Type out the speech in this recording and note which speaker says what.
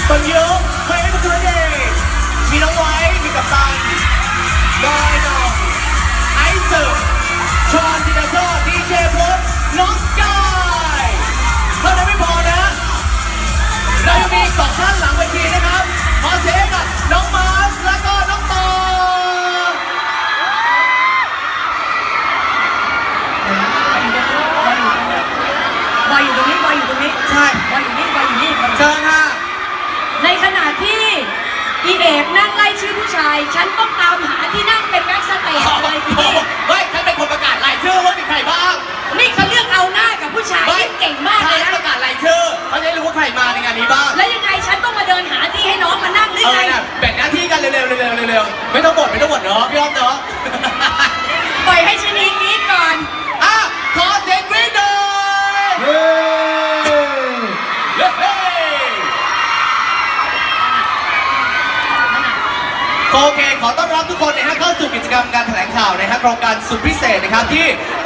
Speaker 1: คนเยอะเพลงมันคือเด็กมีน้องไว้มีกัปตันบอยน้องไอซ์สึชอนจินาโซดีเจพลน้องกายเท่านั้นไม่พอนะเรายังมีสองท่านหลังเวทีนะครับขอเสียงกับน้องมาร์ชและก็น้องต่อ
Speaker 2: บอยอยู่ตรงนี้บอยอยู่ตรงนี้
Speaker 1: ใช่
Speaker 2: บอยอยู่นี่บอยอยู่นี่
Speaker 1: เชิญค่ะ
Speaker 2: ในขณะที่อีเอกนั่งไล่ชื่อผู้ชายฉันต้องตามหาที่นั่งเป็นแบ็กสเตจเลยพี่
Speaker 1: เฮ้ยฉันเป็นคนประกาศรายชื่อว่ามีใครบ้าง
Speaker 2: นี่เขาเลือกเอาหน้ากับผู้ชายที่เก่งมากเลยนะ
Speaker 1: ประกาศรายชื่อเขาจะได้รู้ว่าใครมาในงานนี้บ้าง
Speaker 2: แล้วยังไงฉันต้องมาเดินหาที่ให้น้องมานั่งหรือไง
Speaker 1: แบ่งหน้าที่กันเร็วๆไม่ต้องบ่นเนาะพี่อ้อมเนาะ
Speaker 2: ปล่อยให้ชนีกรี๊ดก่อน
Speaker 1: อ่ะขอเสียงกรี๊ดหน่อยเฮ้โอเคขอต้อนรับทุกคนนะฮะเข้าสู่กิจกรรมการแถลงข่าวนะฮะโครงการสุดพิเศษนะครับที่